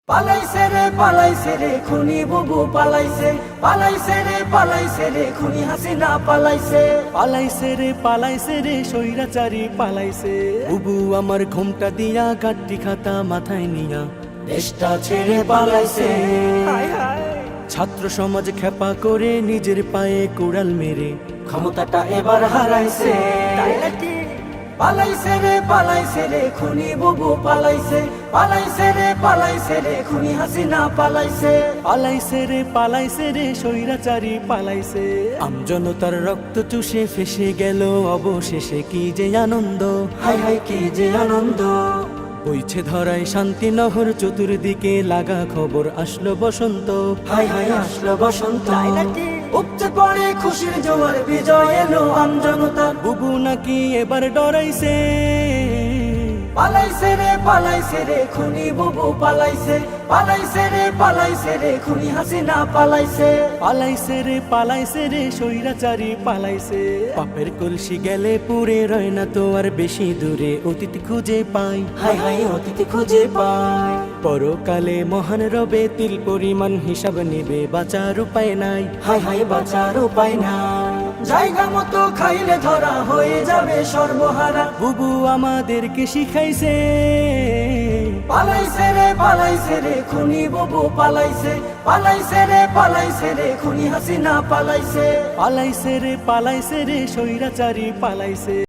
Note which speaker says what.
Speaker 1: পালাইছে রে খুনি বুবু পালাইছে, পালাইছে রে খুনি হাসিনা পালাইছে।
Speaker 2: পালাইছে রে স্বৈরাচারী পালাইছে। বুবু আমার ঘোমটা দিয়া গাড্ডি খাতা মাথায় নিয়া
Speaker 1: দেশটা ছেড়ে পালাইছে।
Speaker 2: ছাত্র সমাজ খেপা করে নিজের পায়ে কুড়াল মেরে
Speaker 1: ক্ষমতাটা এবার হারাইছে। পালাইছে রে খুনি বুবু পালাইছে, পালাইছে রে খুনি হাসিনা পালাইছে।
Speaker 2: পালাইছে রে স্বৈরাচারী পালাইছে। আমজনতার রক্ত চুষে ফেসে গেল অবশেষে কি যে আনন্দ,
Speaker 1: হাই হাই কি যে আনন্দ।
Speaker 2: বইছে ধরায় শান্তি নহর চতুর্দিকে লাগা খবর আসলো বসন্ত,
Speaker 1: হাই হাই আসলো বসন্ত। উপচে পড়ে খুশির জোয়ার বিজয় এলো আমজনতার।
Speaker 2: বুবু নাকি এবার ডরাইছে।
Speaker 1: পালাইছে রে খুনি বুবু পালাইছে, পালাইছে রে খুনি হাসিনা পালাইছে।
Speaker 2: পালাইছে রে স্বৈরাচারী পালাইছে। পাপের কলসি গেলে পুরে রয় না তো আর বেশি দূরে অতীত খুঁজে পাই,
Speaker 1: হাই হাই অতীত খুঁজে পাই।
Speaker 2: পরকালে মহান রবে তিল পরিমাণ হিসাব নেবে, বাঁচার উপায় নাই,
Speaker 1: হাই হাই বাঁচার উপায় নাই। জায়গা মতো খাইলে ধরা হয়ে যাবে সর্বহারা।
Speaker 2: বুবু আমাদেরকে শিখাইছে।
Speaker 1: পালাইছে রে খুনি বুবু পালাইছে, পালাইছে রে খুনি হাসিনা পালাইছে।
Speaker 2: পালাইছে রে স্বৈরাচারী পালাইছে।